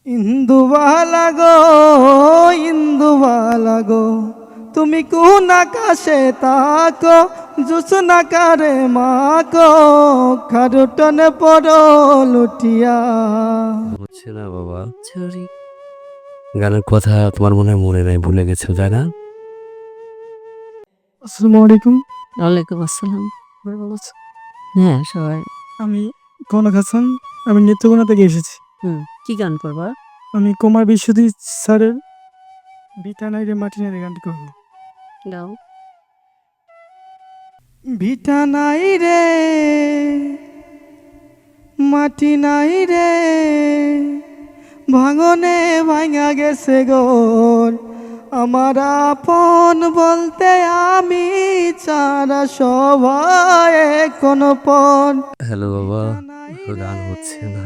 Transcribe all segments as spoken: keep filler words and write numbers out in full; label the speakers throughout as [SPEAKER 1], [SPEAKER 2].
[SPEAKER 1] ইন্দুবালা গো, ইন্দুবালা গো, তুমি কোন আকাশে তাকো, জুসনা কারে মাকো, খারুটনে পড়ো লুটিয়া।
[SPEAKER 2] হচ্ছে না বাবা, সরি। গানের কথা তোমার মনে হয় মনে নাই, ভুলে গেছো তাই না?
[SPEAKER 1] আসসালামু আলাইকুম।
[SPEAKER 3] ওয়ালাইকুম আসসালাম। হ্যাঁ সবাই।
[SPEAKER 1] আমি কনক হাসান, আমি নেত্রকোনা থেকে এসেছি।
[SPEAKER 3] হুম কি গান করবা?
[SPEAKER 1] আমি কুমার বিশ্বজিৎ স্যারের ভিটা নাই রে মাটি নাই রে গানটি করব।
[SPEAKER 3] গাও।
[SPEAKER 1] ভিটা নাই রে মাটি নাই রে, ভাঙনে ভাঙা গেছে গোল, আমার আপন বলতে আমি ছাড়া সবাই কোন পণ।
[SPEAKER 2] হ্যালো বাবা, গান হচ্ছে না।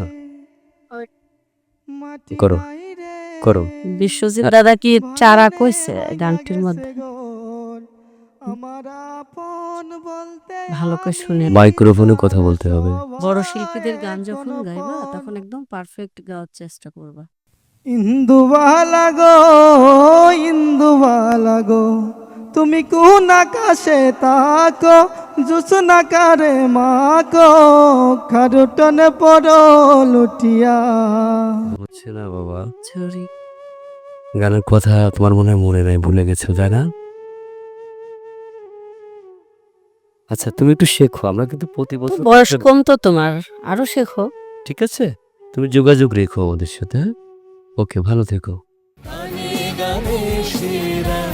[SPEAKER 1] মাটি
[SPEAKER 2] করো
[SPEAKER 1] নাই রে,
[SPEAKER 2] করো।
[SPEAKER 3] বিশ্বজিৎ দাদা কি চারা কইছে গানটির মধ্যে?
[SPEAKER 1] আমার আপন বলতে
[SPEAKER 3] ভালো করে শুনে।
[SPEAKER 2] মাইক্রোফোনে কথা বলতে হবে।
[SPEAKER 3] বড় শিল্পীদের গান যখন গাইবা তখন একদম পারফেক্ট গাওয়ার চেষ্টা করবা।
[SPEAKER 1] ইন্দুবালা গো, ইন্দুবালা গো, তুমি কোন আকাশে তাকো, জুসনা কারে মাকো, খারুটনে পড়ো লুটিয়া।
[SPEAKER 2] হচ্ছে না বাবা,
[SPEAKER 3] সরি।
[SPEAKER 2] গানের কথা তোমার মনে হয় মনে নাই, ভুলে গেছো তাই না? আচ্ছা তুমি একটু শেখো, আমরা কিন্তু প্রতি
[SPEAKER 3] তো
[SPEAKER 2] বছর
[SPEAKER 3] বয়স কম তো তোমার, আরো শেখো।
[SPEAKER 2] ঠিক আছে, তুমি যোগাযোগ রেখো আমাদের সাথে। ওকে, ভালো থেকো।
[SPEAKER 4] গানে গানে সেরা